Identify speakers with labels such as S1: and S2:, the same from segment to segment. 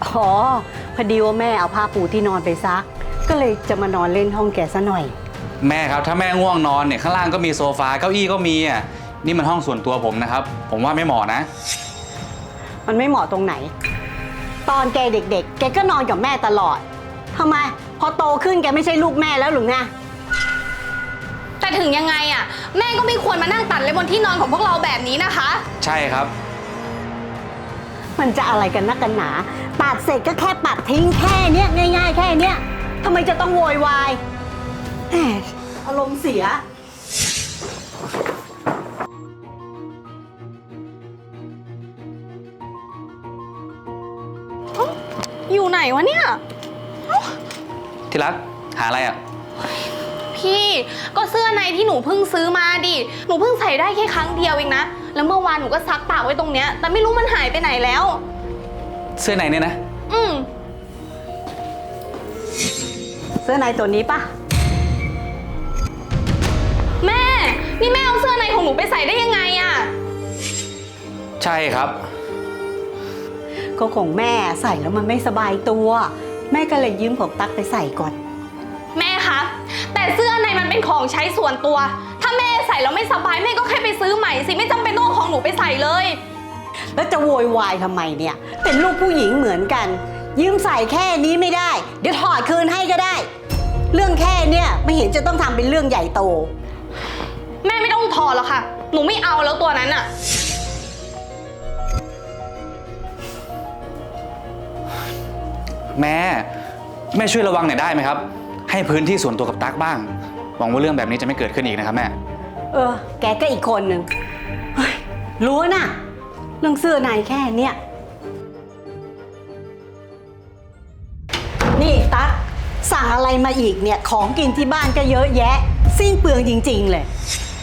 S1: อ๋อพอดีว่าแม่เอาผ้าปูที่นอนไปซักก็เลยจะมานอนเล่นห้องแกซะหน่อย
S2: แม่ครับถ้าแม่ง่วงนอนเนี่ยข้างล่างก็มีโซฟาเก้าอี้ก็มีอ่ะนี่มันห้องส่วนตัวผมนะครับผมว่าไม่เหมาะนะ
S1: มันไม่เหมาะตรงไหนตอนแกเด็กๆแกก็นอนกับแม่ตลอดทำไมพอโตขึ้นแกไม่ใช่ลูกแม่แล้วหรือไง
S3: แต่ถึงยังไงอ่ะแม่ก็ไม่ควรมานั่งตัดเลยบนที่นอนของพวกเราแบบนี้นะคะ
S2: ใช่ครับ
S1: มันจะอะไรกันนักกันหนาปัดเสร็จก็แค่ปัดทิ้งแค่เนี้ยง่ายๆแค่เนี้ยทำไมจะต้องโวยวายแหมอารมณ์เสีย
S3: อยู่ไหนวะเนี่ย
S2: ที่รักหาอะไรอ่ะ
S3: พี่ก็เสื้อในที่หนูเพิ่งซื้อมาดิหนูเพิ่งใส่ได้แค่ครั้งเดียวเองนะแล้วเมื่อวานหนูก็ซักตากไว้ตรงเนี้ยแต่ไม่รู้มันหายไปไหนแล้ว
S2: เสื้อในเนี่ยนะ
S1: เสื้อในตัวนี้ปะ
S3: แม่นี่แม่เอาเสื้อในของหนูไปใส่ได้ยังไงอะ
S2: ใช่ครับ
S1: ก็ของแม่ใส่แล้วมันไม่สบายตัวแม่ก็เลยยืมของตั๊กไปใส่ก่อน
S3: แม่คะแต่เสื้อในมันเป็นของใช้ส่วนตัวถ้าแม่ใส่แล้วไม่สบายแม่ก็แค่ไปซื้อใหม่สิไม่จำเป็นต้องของหนูไปใส่เลย
S1: แล้วจะโวยวายทำไมเนี่ยเป็นลูกผู้หญิงเหมือนกันยืมใส่แค่นี้ไม่ได้เดี๋ยวถอดคืนให้ก็ได้เรื่องแค่เนี่ยไม่เห็นจะต้องทำเป็นเรื่องใหญ่โต
S3: แม่ไม่ต้องถอดหรอกค่ะหนูไม่เอาแล้วตัวนั้นอะ
S2: แม่ช่วยระวังหน่อยได้ไหมครับให้พื้นที่ส่วนตัวกับตั๊กบ้างหวังว่าเรื่องแบบนี้จะไม่เกิดขึ้นอีกนะครับแม่
S1: แกก็อีกคนหนึ่งรู้นะเรื่องเสื้อในแค่เนี้ยนี่ตั๊กสั่งอะไรมาอีกเนี่ยของกินที่บ้านก็เยอะแยะสิ้นเปลืองจริงๆเลย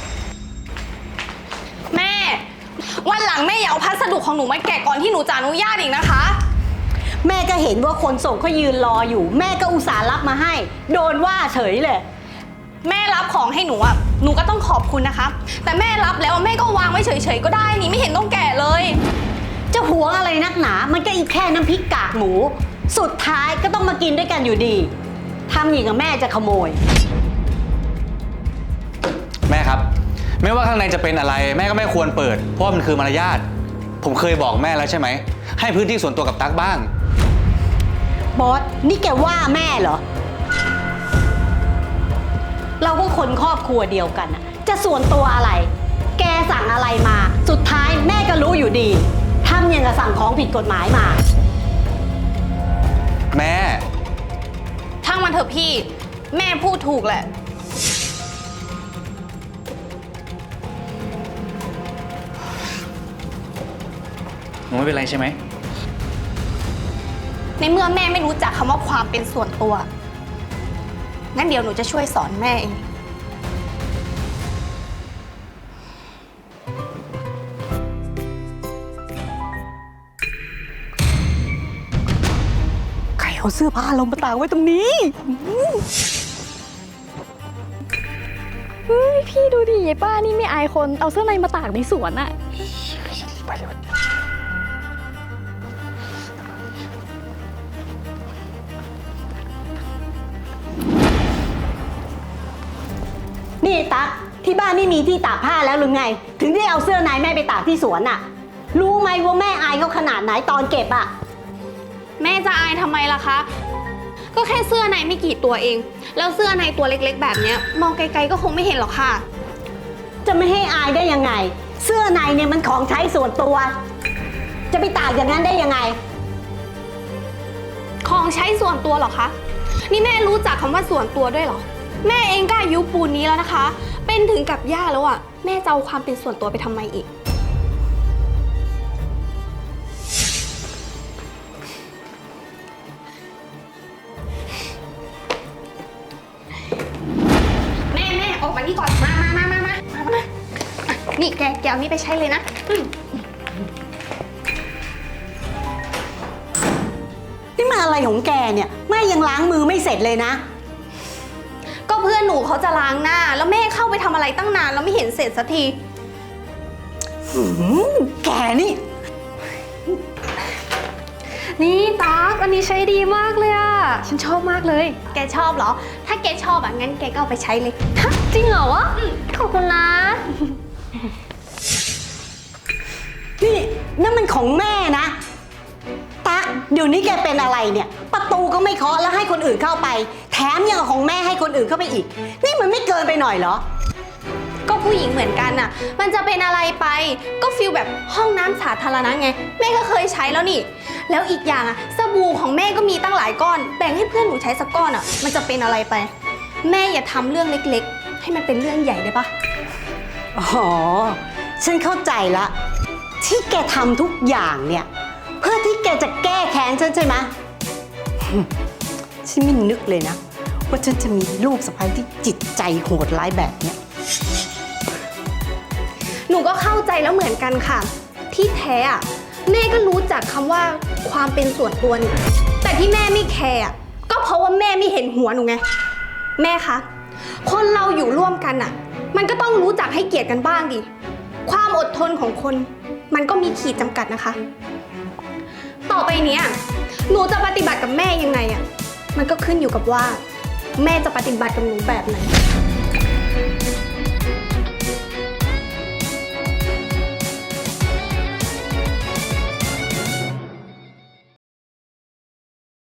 S3: แม่วันหลังแม่อย่าเอาพัสดุของหนูมาแกะก่อนที่หนูจะอนุญาตอีกนะคะ
S1: แม่ก็เห็นว่าคนส่งเขายืนรออยู่แม่ก็อุตส่าห์รับมาให้โดนว่าเฉยเลย
S3: แม่รับของให้หนูอ่ะหนูก็ต้องขอบคุณนะคะแต่แม่รับแล้วแม่ก็วางไว้เฉยๆก็ได้นี่ไม่เห็นต้องแกะเลย
S1: จะหวงอะไรนักหนามันก็อีกแค่น้ำพริกกากหมูสุดท้ายก็ต้องมากินด้วยกันอยู่ดีทำอย่างกับแม่จะขโมย
S2: แม่ครับไม่ว่าข้างในจะเป็นอะไรแม่ก็ไม่ควรเปิดเพราะมันคือมารยาทผมเคยบอกแม่แล้วใช่ไหมให้พื้นที่ส่วนตัวกับตั๊กบ้าง
S1: บอสนี่แกว่าแม่เหรอเราก็คนครอบครัวเดียวกันอะจะส่วนตัวอะไรแกสั่งอะไรมาสุดท้ายแม่ก็รู้อยู่ดีทำอย่างกับสั่งของผิดกฎหมายมา
S2: แม่
S3: ช่างมันเถอะพี่แม่พูดถูกแหละ
S2: หนูไม่เป็นไรใช่ไหม
S3: ในเมื่อแม่ไม่รู้จักคำว่าความเป็นส่วนตัวงั้นเดี๋ยวหนูจะช่วยสอนแม่เอง
S1: ใครเอาเสื้อผ้าลงมาตากไว้ตรงนี้
S4: เฮ้ยพี่ดูดิยายป้านี่ไม่อายคนเอาเสื้อในมาตากในสวนอะ
S2: ไปเลย
S1: นี่ตั๊กที่บ้านไม่มีที่ตากผ้าแล้วหรือไงถึงได้เอาเสื้อในแม่ไปตากที่สวนน่ะรู้ไหมว่าแม่อายเขาขนาดไหนตอนเก็บอ่ะ
S3: แม่จะอายทำไมล่ะคะก็แค่เสื้อในไม่กี่ตัวเองแล้วเสื้อในตัวเล็กๆแบบเนี้ยมองไกลๆก็คงไม่เห็นหรอกค่ะ
S1: จะไม่ให้อายได้ยังไงเสื้อในเนี่ยมันของใช้ส่วนตัวจะไปตากอย่างนั้นได้ยังไง
S3: ของใช้ส่วนตัวหรอคะนี่แม่รู้จักคำว่าส่วนตัวด้วยหรอแม่เองก็อายุปูนนี้แล้วนะคะเป็นถึงกับย่าแล้วอ่ะแม่จะเอาความเป็นส่วนตัวไปทำไมอีกแม่ออกมานี่ก่อนมานี่แกเอานี่ไปใช้เลยนะ
S1: นี่มันอะไรของแกเนี่ยแม่ยังล้างมือไม่เสร็จเลยนะ
S3: ก็เพื่อนหนูเขาจะล้างหน้าแล้วแม่เข้าไปทำอะไรตั้งนานแล้วไม่เห็นเสร็จสักที
S1: แกนี่
S3: นี่ตั๊กอันนี้ใช้ดีมากเลยอะฉันชอบมากเลย แกชอบเหรอ ถ้าแกชอบอะงั้นแกก็เอาไปใช้เลยฮะจริงเหรอวะขอบคุณนะ
S1: นี่นั่นมันของแม่นะตั๊กเดี๋ยวนี้แกเป็นอะไรเนี่ย ประตูก็ไม่เคาะแล้วให้คนอื่นเข้าไป แถมยังเอาของแม่ให้คนอื่นเข้าไปอีก นี่มันไม่เกินไปหน่อยเหรอ
S3: ก็ผู้หญิงเหมือนกันน่ะ มันจะเป็นอะไรไป ก็ฟีลแบบห้องน้ำสาธารณะไง แม่ก็เคยใช้แล้วนี่ แล้วอีกอย่างอะสบู่ของแม่ก็มีตั้งหลายก้อน แบ่งให้เพื่อนหนูใช้สักก้อนอะมันจะเป็นอะไรไป แม่อย่าทำเรื่องเล็กๆ ให้มันเป็นเรื่องใหญ่ได้ปะ
S1: อ๋อ ฉันเข้าใจละ ที่แกทำทุกอย่างเนี่ย เพื่อที่แกจะแก้แค้นฉันใช่ไหม ฉันไม่นึกเลยนะ ว่าฉันจะมีลูกสะใภ้ที่จิตใจโหดร้ายแบบเนี้ย
S3: หนูก็เข้าใจแล้วเหมือนกันค่ะ ที่แท้อะแม่ก็รู้จักคำว่าความเป็นส่วนตัวนี่ แต่ที่แม่ไม่แคร์อะก็เพราะว่าแม่ไม่เห็นหัวหนูไง แม่คะ คนเราอยู่ร่วมกันอะมันก็ต้องรู้จักให้เกียรติกันบ้างดิ ความอดทนของคน มันก็มีขีดจำกัดนะคะ ต่อไปเนี้ยหนูจะปฏิบัติกับแม่ยังไงอะมันก็ขึ้นอยู่กับว่า แม่จะปฏิบัติกับหนูแบบไหน